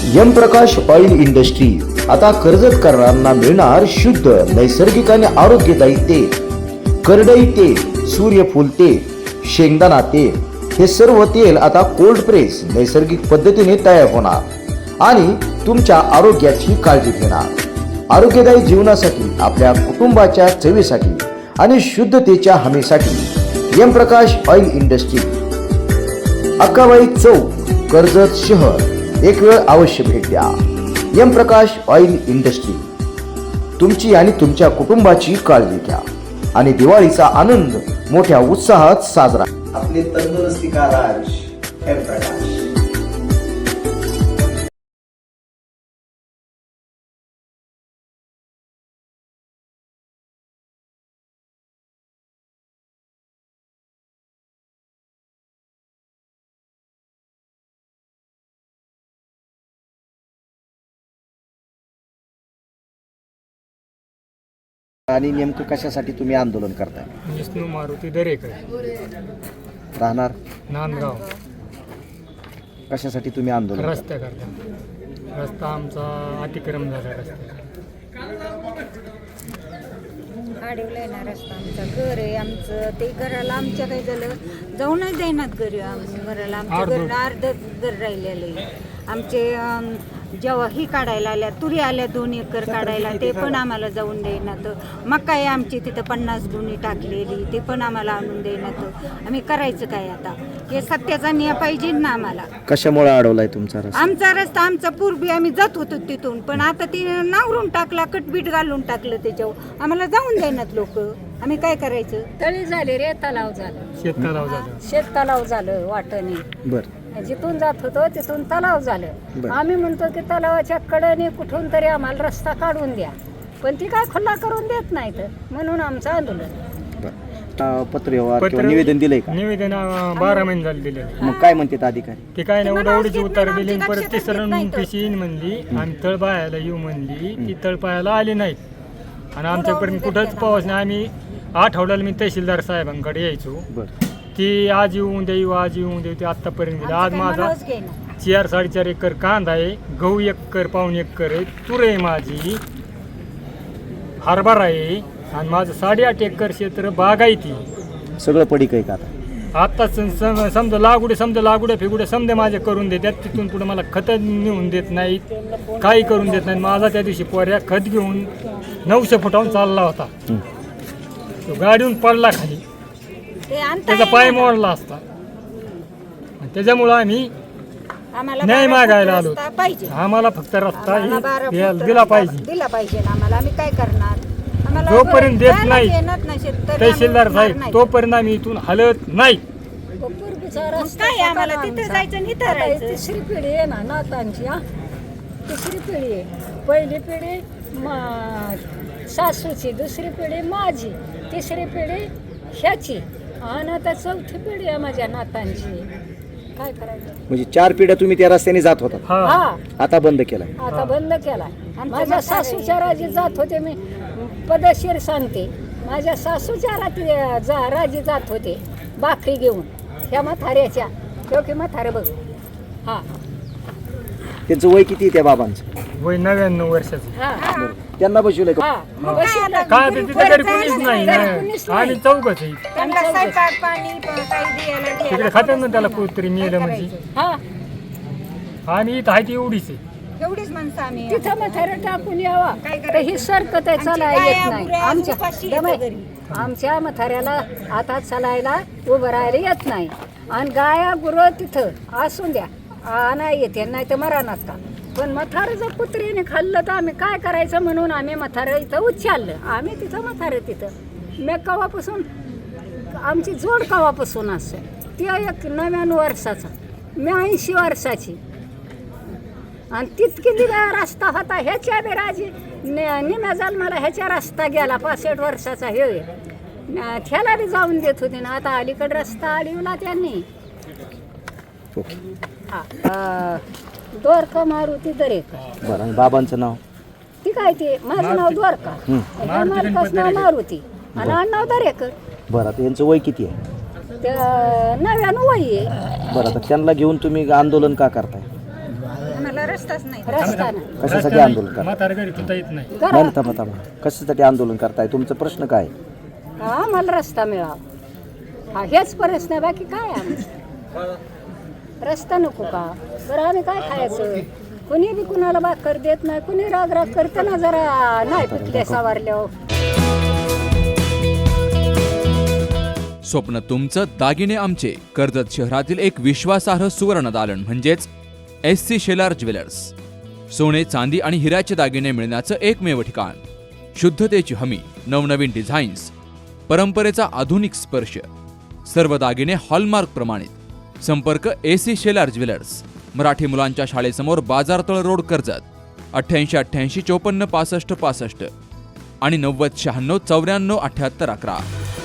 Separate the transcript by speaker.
Speaker 1: M Prakash oil industry आता कर्जतकरांना मिळणार शुद्ध नैसर्गिक आणि आरोग्यदायी तेल, करडई तेल, सूर्यफूल तेल, शेंगदाणा तेल हे सर्व तेल आता कोल्ड प्रेस नैसर्गिक पद्धतीने तयार होणार आणि तुमच्या आरोग्याची काळजी घेणार। आरोग्यदायी जीवनासाठी, आपल्या कुटुंबाच्या चवीसाठी आणि शुद्धतेच्या हमीसाठी M Prakash oil industry, Akkabai Chowk, Karjat शहर। एक वेळ अवश्य भेट द्या। एम प्रकाश ऑइल इंडस्ट्री, तुमची आणि तुमच्या कुटुंबाची काळजी घ्या आणि दिवाळीचा आनंद मोठ्या उत्साहात साजरा। आपले तंदुरुस्ती का राज, एम प्रकाश। आणि नेमकं कशासाठी तुम्ही आंदोलन करताय?
Speaker 2: विष्णू मारुती दरेकर,
Speaker 1: राहणार
Speaker 2: नांदगाव।
Speaker 1: कशासाठी तुम्ही आंदोलन?
Speaker 2: रस्त्या करता, रस्ता आमचा अतिक्रम झाला, रस्ता
Speaker 3: अडवलाय ना रस्ता। आमचा घर आहे, आमचं ते घराला आमच्या काही झालं जाऊनच देणार घरी, घराला आमच्या घर अर्ध घर राहिलेलं आहे। आमचे जेव्हा ही काढायला आल्या, तुरी आल्या 2 एकर काढायला, ते पण आम्हाला जाऊन देण्यात। मका आहे आमची तिथं 50 गुणी टाकलेली, ते पण आम्हाला आणून देण्यात। आम्ही करायचं काय आता? हे सत्याचा न्याय पाहिजे ना आम्हाला।
Speaker 1: कशामुळे अडवलाय तुमचा रस्ता?
Speaker 3: आमचा रस्ता, आमचा पूर्वी आम्ही जात होतो तिथून, पण आता ती नांगरून टाकला, कटबीट घालून टाकलं त्याच्यावर, आम्हाला जाऊन देण्यात लोक। आम्ही काय करायचं?
Speaker 4: तळी झाले रे, तलाव झालं,
Speaker 2: शेततलाव झालं,
Speaker 4: शेत तलाव झालं वाटणे।
Speaker 1: बर,
Speaker 4: जिथून जात होतो तिथून तलाव झालं। आम्ही म्हणतो की तलावाच्या कडेने कुठून तरी आम्हाला रस्ता काढून द्या, पण ती काय खुला करून देत नाहीत, म्हणून आमचं आंदोलन।
Speaker 1: पत्रव्यवहार किंवा निवेदन दिलंय का?
Speaker 2: निवेदन 12 महिने झाले दिले।
Speaker 1: मग काय म्हणतात अधिकारी?
Speaker 2: ते काय नाही, उडावडीची उत्तर दिली, परत तिसरं पिशी येईन म्हणली आणि तळपायाला येऊ म्हणली, ती तळपायाला आली नाहीत आणि आमच्यापर्यंत कुठंच पाऊस नाही। आम्ही आठवड्याला मी तहसीलदार साहेबांकडे यायचो, ती आज येऊन देऊ, आज येऊन देऊ, ते आत्तापर्यंत। आज माझा 4-4.5 एकर कांदा आहे, गहू 1 एकर, पाऊण एकर आहे, तूर आहे माझी, हरभरा आहे आणि माझं 8.5 एकर क्षेत्र बागायती।
Speaker 1: सगळं पडीक आहे का आता?
Speaker 2: आता समजा लागुडे फिगुडे समजा माझे करून देतात, तिथून पुढे मला खत नेऊन देत नाहीत, काही करून देत नाहीत। माझा त्या दिवशी पोऱ्या खत घेऊन 900 फुटावून चालला होता, तो गाडीहून पडला खाली, त्याचा पाय मोडला असता। त्याच्यामुळं आम्ही न्याय मागायला आलो, आम्हाला फक्त रस्ता दिला पाहिजे
Speaker 3: ना आम्हाला। आम्ही काय करणार?
Speaker 2: जोपर्यंत देत नाही तहसीलदार साहेब, तोपर्यंत आम्ही इथून हलत नाही।
Speaker 3: आम्हाला तिथे जायचं आणि इथं राहायचं।
Speaker 4: तिसरी पिढी आहे ना नातांची, तिसरी पिढी आहे। पहिली पिढी सासूची, दुसरी पिढी माझी, तिसरी पिढी ह्याची, आणि आता 4थी पिढी आहे माझ्या नातांची। काय करायचं?
Speaker 1: म्हणजे 4 पिढ्या तुम्ही त्या रस्त्याने जात होता,
Speaker 4: हा,
Speaker 1: आता बंद केलाय?
Speaker 4: आता बंद केलाय। माझ्या सासूच्या राजी जात होते, मी पदशीर सांगते, माझ्या सासूच्या राजी जात होते भाकरी घेऊन, ह्या म्हाताऱ्याच्या, की म्हातारे बघ। हा,
Speaker 1: त्यांचं वय किती आहे त्या बाबांचं?
Speaker 2: वय 99 वर्षाचं।
Speaker 4: हा,
Speaker 1: त्यांना बसवलंय का?
Speaker 2: काय ते तिथे तरी कोणीच नाही, आणि चौकच आहे तिकडे, खात्यात ना त्याला कुठतरी मिळेल म्हणजे। आणि इथं आहे ती एवढीच आहे,
Speaker 3: एवढीच माणसं आम्ही।
Speaker 4: तिथं म्हातारे टाकून यावा तर ही सरकत आहे, चालायला येत नाही। आमच्या म्हाताऱ्याला आता चालायला उभं राहायला येत नाही, आणि गाया गुरं तिथं असून द्या, नाही येते, नाही तर मरानात का। पण म्हातारं जर कुत्रीने खाल्लं तर आम्ही काय करायचं, म्हणून आम्ही म्हातारं इथं उच्चारलं। आम्ही तिथं म्हातारं तिथं मी कवापासून, आमची जोड कवापासून असं, ती 99 वर्षाचा, मी 80 वर्षाची, आणि तितकी रस्ता होता ह्याच्या बी राजी निम्या जन्माला ह्याच्या रस्ता गेला, 65 वर्षाचा हे, त्याला बी जाऊन देत होते ना। आता अलीकडे रस्ता अडवला त्यांनी। द्वारका मारुती दरेकर।
Speaker 1: बरं, आणि बाबांचं नाव?
Speaker 4: ती काय, ते माझं नाव द्वारका, मालकाचं नाव मारुती आणि नाव दरेकर।
Speaker 1: बरं, आता यांचं वय किती आहे?
Speaker 4: 99 वय आहे।
Speaker 1: बरं, आता त्यांना घेऊन तुम्ही आंदोलन का करताय?
Speaker 3: आम्हाला आम्हाला रस्ताच नाही
Speaker 4: रस्ता नाही.
Speaker 5: कशासाठी आंदोलन करताय?
Speaker 2: म्हातारा घरी सुद्धा येत नाही.
Speaker 5: नाही थांबा थांबा, कशासाठी आंदोलन करताय? तुमचा प्रश्न काय?
Speaker 4: आम्हाला रस्ता मिळावा, हा हेच प्रश्न आहे, बाकी काय आहे आमचं? रस्ता नको का? बरं आम्ही काय खायचं? कुणी बी कुणाला भाकर देत नाही, कुणी राग करते ना, जरा नाही पिकले सावरल्यावर.
Speaker 6: स्वप्न तुमचं, दागिने आमचे. कर्जत शहरातील एक विश्वासार्ह सुवर्ण दालन म्हणजेच SC शेलार ज्वेलर्स. सोने, चांदी आणि हिऱ्याचे दागिने मिळण्याचं एकमेव ठिकाण. शुद्धतेची हमी, नवनवीन डिझाईन्स, परंपरेचा आधुनिक स्पर्श, सर्व दागिने हॉलमार्क प्रमाणित. संपर्क SC शेलार ज्वेलर्स, मराठी मुलांच्या शाळेसमोर, बाजारतळ रोड, कर्जत. 88 88 54 65 65 आणि 90 96 94 78 11.